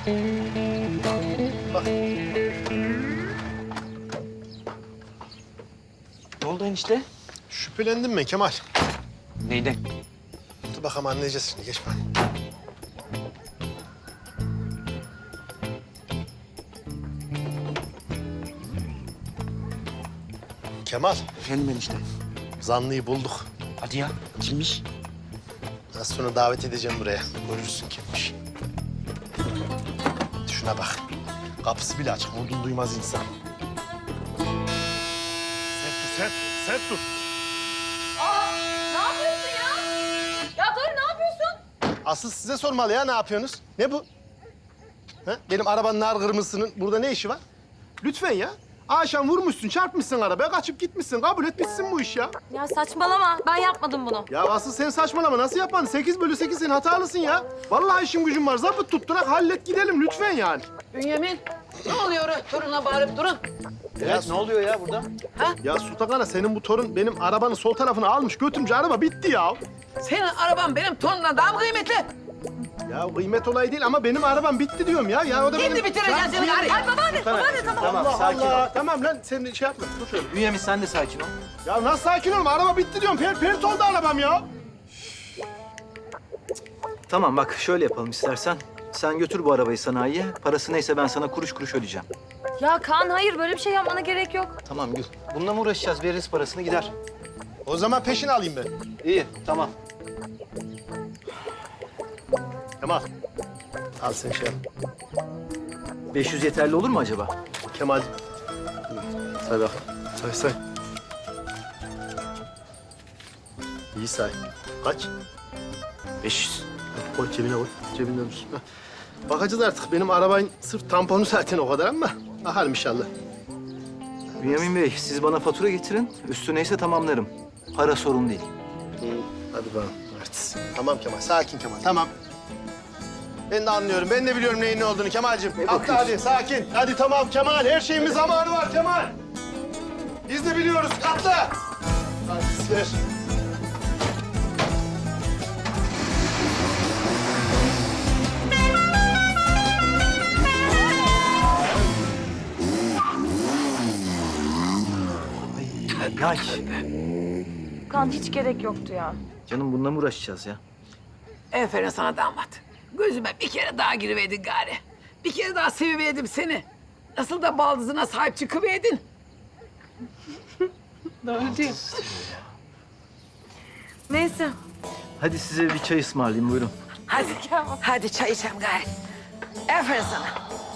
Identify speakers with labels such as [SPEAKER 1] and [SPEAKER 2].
[SPEAKER 1] Bak.
[SPEAKER 2] Ne oldu enişte?
[SPEAKER 1] Şüphelendim ben Kemal.
[SPEAKER 2] Neyden?
[SPEAKER 1] Dur bakalım anlayacağız şimdi. Geç bana. Kemal,
[SPEAKER 2] Efendim enişte.
[SPEAKER 1] zanlıyı bulduk.
[SPEAKER 2] Hadi ya. Kimmiş?
[SPEAKER 1] Az sonra davet edeceğim buraya. Görürsün kimmiş. Şuna bak. Kapısı bile açık. Vurdun duymaz insan. Sert dur, sert dur.
[SPEAKER 3] Aa, ne yapıyorsun ya? Ya dur, ne yapıyorsun?
[SPEAKER 1] Asıl size sormalı ya, ne yapıyorsunuz? Ne bu? Ha? Benim arabanın nar kırmızısının burada ne işi var? Lütfen ya. Akşam vurmuşsun, çarpmışsın arabaya, kaçıp gitmişsin. Kabul et bitsin bu iş ya.
[SPEAKER 3] Ya saçmalama, ben yapmadım bunu.
[SPEAKER 1] Ya asıl sen saçmalama. Nasıl yapan? 8/8 sen hatalısın ya. Vallahi işim gücüm var. Zabıt tutturak hallet gidelim lütfen yani.
[SPEAKER 4] Bünyamin, ne oluyor? Toruna bağırıp durun.
[SPEAKER 2] Evet, ne oluyor ya burada?
[SPEAKER 1] Ya Sultan Ana, senin bu torun benim arabanın sol tarafını almış götürünce araba bitti ya.
[SPEAKER 4] Senin araban benim torunumdan daha mı kıymetli?
[SPEAKER 1] Ya kıymet olayı değil ama benim arabam bitti diyorum ya. Ya o da
[SPEAKER 4] Şimdi
[SPEAKER 1] benim...
[SPEAKER 4] bitireceksin seni gari.
[SPEAKER 3] Ay babaanne, tamam.
[SPEAKER 2] Tamam,
[SPEAKER 1] Allah
[SPEAKER 2] sakin
[SPEAKER 1] Allah.
[SPEAKER 2] ol.
[SPEAKER 1] Tamam lan sen de şey yapma. Dur şöyle.
[SPEAKER 2] Bünyamin sen de sakin ol.
[SPEAKER 1] Ya nasıl sakin olma? Araba bitti diyorum. Pert oldu arabam ya.
[SPEAKER 5] Tamam bak şöyle yapalım istersen. Sen götür bu arabayı sanayiye. Parası neyse ben sana kuruş kuruş ödeyeceğim.
[SPEAKER 3] Ya Kaan, hayır, böyle bir şey yapmana gerek yok.
[SPEAKER 5] Tamam Gül. Bununla mı uğraşacağız? Veririz parasını gider.
[SPEAKER 1] O zaman peşini alayım ben.
[SPEAKER 5] İyi tamam.
[SPEAKER 1] Kemal. Al sen şey yap.
[SPEAKER 5] 500 yeterli olur mu acaba?
[SPEAKER 1] Kemal. Say bak. Say. İyi say. Kaç?
[SPEAKER 5] 500.
[SPEAKER 1] Koy cebine koy. Cebinde dursun. Hah. Bakacağız artık. Benim arabanın sırf tamponu zaten o kadar ama bakalım inşallah.
[SPEAKER 5] Bünyamin Bey siz bana fatura getirin. Üstü neyse tamamlarım. Para sorun değil.
[SPEAKER 1] Hadi bakalım. Evet. Tamam Kemal. Sakin Kemal. Tamam. Ben de anlıyorum. Ben de biliyorum neyin ne olduğunu Kemal'cim. Atla hadi. Sakin. Hadi tamam Kemal. Her şeyin bir zamanı var Kemal. Biz de biliyoruz. Atla. Hadi ver.
[SPEAKER 5] Ya
[SPEAKER 3] Kaan, hiç gerek yoktu ya.
[SPEAKER 5] canım bununla mı uğraşacağız ya?
[SPEAKER 4] Aferin sana damat. Gözüme bir kere daha giriverdin gari. Bir kere daha seviverdim seni. Nasıl da baldızına sahip çıkıverdin. Doğru değil.
[SPEAKER 3] Neyse.
[SPEAKER 5] Hadi size bir çay ısmarlayayım buyurun.
[SPEAKER 4] Hadi, hadi çay içelim gari. Aferin sana.